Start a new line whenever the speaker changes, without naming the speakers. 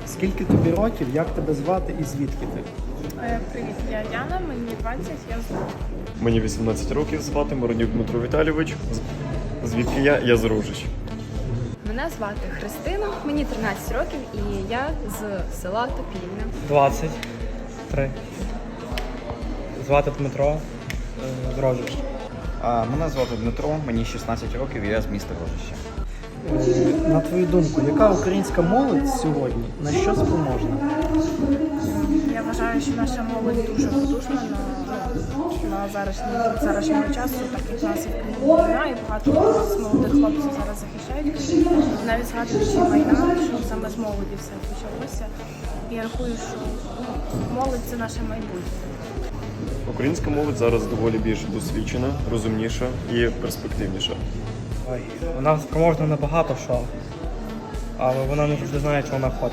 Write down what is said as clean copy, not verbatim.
Скільки тобі років, як тебе звати і звідки ти?
Привіт, я Яна, мені 20, я з Луцька.
Мені 18 років, звати Моронюк Дмитро Віталійович. Звідки я? Я з Ружич.
Мене звати Христина, мені 13 років і я з села Топільне.
23. Звати Дмитро, з Рожища.
Мене звати Дмитро, мені 16 років і я з міста Рожище.
На твою думку, яка українська молодь сьогодні на що спроможна?
Я вважаю, що наша молодь дуже потужна на зарашнього часу, так як у нас і війна, і багато з молодих хлопців зараз захищають. Навіть згадуючи війна, що саме з молоді все почалося. І я рахую, що молодь – це наше майбутнє.
Українська молодь зараз доволі більш досвідчена, розумніша і перспективніша.
Вона спроможна на багато що, але вона не завжди знає, що вона хоче.